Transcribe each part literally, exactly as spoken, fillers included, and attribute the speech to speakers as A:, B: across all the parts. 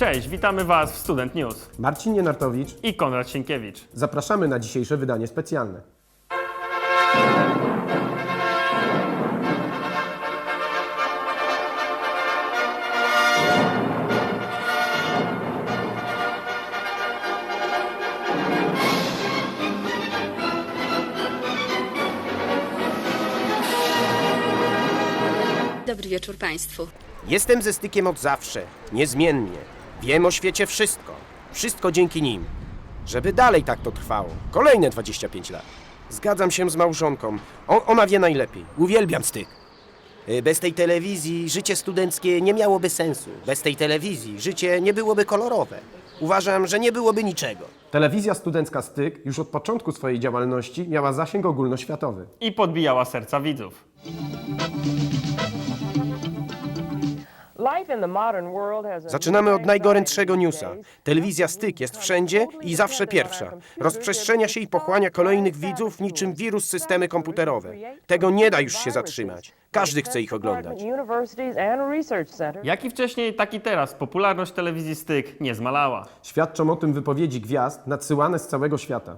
A: Cześć, witamy Was w Student News
B: Marcin Nienartowicz
A: i Konrad Sienkiewicz.
B: Zapraszamy na dzisiejsze wydanie specjalne.
C: Dobry wieczór Państwu.
D: Jestem ze stykiem od zawsze, niezmiennie. Wiem o świecie wszystko. Wszystko dzięki nim. Żeby dalej tak to trwało. Kolejne dwadzieścia pięć lat. Zgadzam się z małżonką. O, ona wie najlepiej. Uwielbiam styk. Y, Bez tej telewizji życie studenckie nie miałoby sensu. Bez tej telewizji życie nie byłoby kolorowe. Uważam, że nie byłoby niczego.
B: Telewizja studencka Styk już od początku swojej działalności miała zasięg ogólnoświatowy.
A: I podbijała serca widzów.
D: Zaczynamy od najgorętszego newsa. Telewizja Styk jest wszędzie i zawsze pierwsza. Rozprzestrzenia się i pochłania kolejnych widzów niczym wirus systemy komputerowe. Tego nie da już się zatrzymać. Każdy chce ich oglądać.
A: Jak i wcześniej, tak i teraz popularność telewizji Styk nie zmalała.
B: Świadczą o tym wypowiedzi gwiazd nadsyłane z całego świata.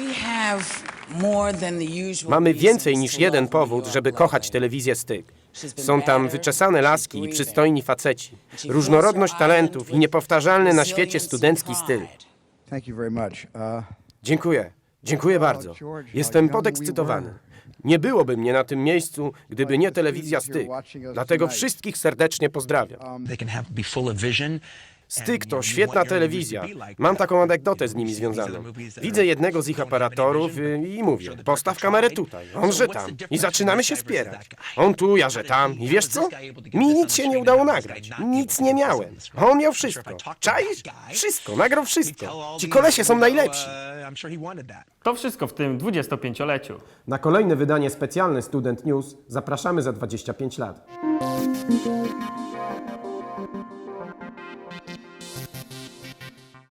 D: Mamy więcej niż jeden powód, żeby kochać telewizję Styk. Są tam wyczesane laski i przystojni faceci, różnorodność talentów i niepowtarzalny na świecie studencki styl. Dziękuję. Dziękuję bardzo. Jestem podekscytowany. Nie byłoby mnie na tym miejscu, gdyby nie telewizja Styk. Dlatego wszystkich serdecznie pozdrawiam. Styk to świetna telewizja. Mam taką anegdotę z nimi związaną. Widzę jednego z ich aparatorów y, i mówię, postaw kamerę tutaj, on że tam. I zaczynamy się spierać. On tu, ja że tam. I wiesz co? Mi nic się nie udało nagrać. Nic nie miałem. A on miał wszystko. Czaisz? Wszystko, nagrał wszystko. Ci kolesie są najlepsi.
A: To wszystko w tym dwudziestopięcioleciu.
B: Na kolejne wydanie specjalne Student News zapraszamy za dwadzieścia pięć lat.